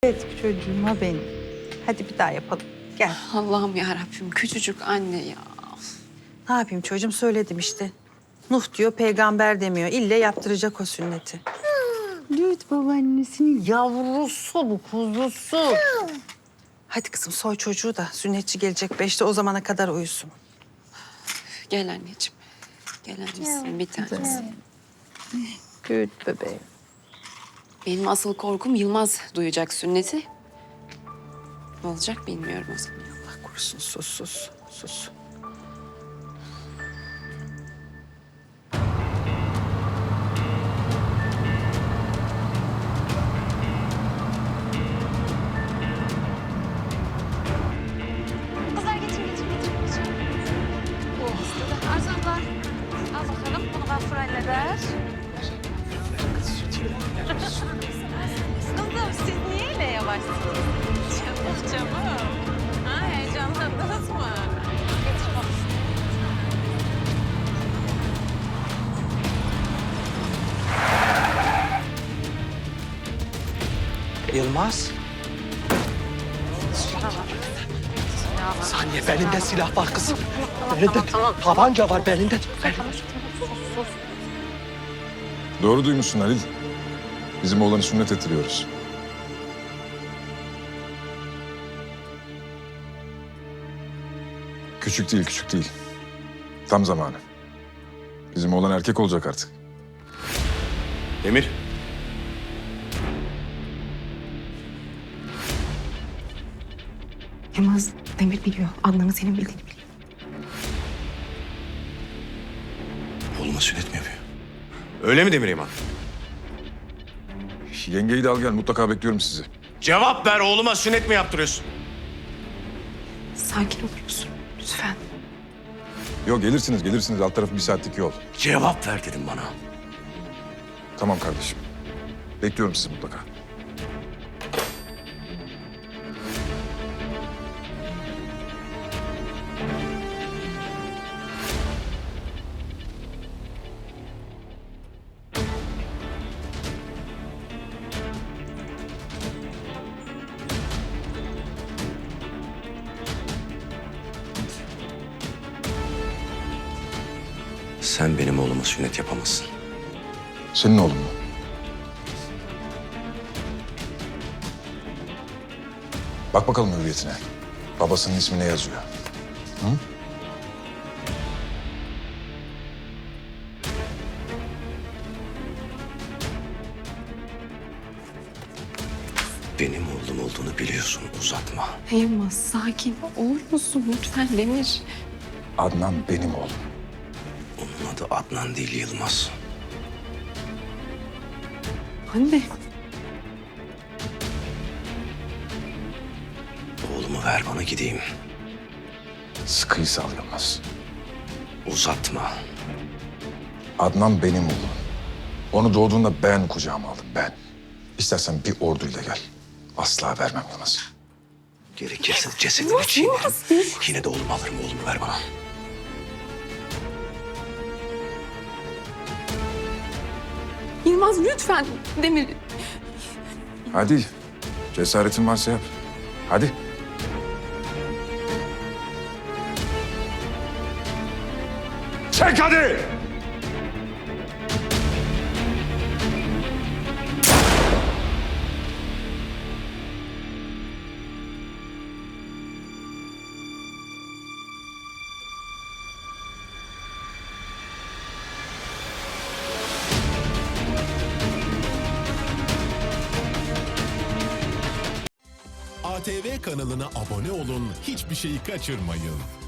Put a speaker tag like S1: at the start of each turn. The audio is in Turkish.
S1: Evet çocuğuma benim. Hadi bir daha yapalım. Gel.
S2: Allah'ım ya Rabbim, küçücük anne ya.
S1: Ne yapayım çocuğum, söyledim işte. Nuh diyor, peygamber demiyor. İlle yaptıracak o sünneti. Lüt babaannesinin yavrusu bu, kuzusu. Hadi kızım soy çocuğu da sünnetçi gelecek 5'te, o zamana kadar uyusun.
S2: Gel anneciğim. Gel anneciğim, bir tanesi.
S1: Lüt bebeğim.
S2: Benim asıl korkum Yılmaz duyacak sünneti. Ne olacak bilmiyorum o zaman.
S1: Allah korusun, sus.
S3: Kızlar getir. Arzan var. Al bakalım. Bunu Gafur halleder. Kızım siz niye öyle yavaşsınız? Çabuk. Ha, heyecanlandınız mı? Getir bak.
S4: Yılmaz. Saniye, belinde silah var kızım. Belinde tabanca var, belinde.
S5: Doğru duymuşsun Halil. Bizim oğlanı sünnet ettiriyoruz. Küçük değil. Tam zamanı. Bizim oğlan erkek olacak artık.
S6: Demir.
S7: Yılmaz, Demir biliyor. Adnan'ın senin bildiğini biliyor.
S6: Oğluma sünnet mi yapıyor? Öyle mi Demir İman?
S5: Yengeyi de al gel, mutlaka bekliyorum sizi.
S6: Cevap ver, oğluma sünnet mi yaptırıyorsun?
S7: Sakin olur musun? Lütfen.
S5: Yok gelirsiniz. Alt tarafı 1 saatlik yol.
S6: Cevap ver dedim bana.
S5: Tamam kardeşim. Bekliyorum sizi mutlaka.
S6: Sen benim oğluma sünnet yapamazsın.
S5: Senin oğlun mu? Bak bakalım hürriyetine. Babasının ismi ne yazıyor? Hı?
S6: Benim oğlum olduğunu biliyorsun, uzatma.
S2: Yılmaz, sakin olur musun lütfen Demir?
S5: Adnan benim oğlum.
S6: Onun adı Adnan değil, Yılmaz.
S2: Anne.
S6: Oğlumu ver bana, gideyim.
S5: Sıkıyı sal Yılmaz.
S6: Uzatma.
S5: Adnan benim oğlum. Onu doğduğunda ben kucağıma aldım, ben. İstersen bir orduyla gel. Asla vermem Yılmaz.
S6: Gerekirse cesedini çiğnerim. Yine de oğlumu alırım, oğlumu ver bana.
S2: Yılmaz lütfen Demir.
S5: Hadi, cesaretin varsa yap. Hadi.
S6: Çek hadi!
S8: ATV kanalına abone olun, hiçbir şeyi kaçırmayın.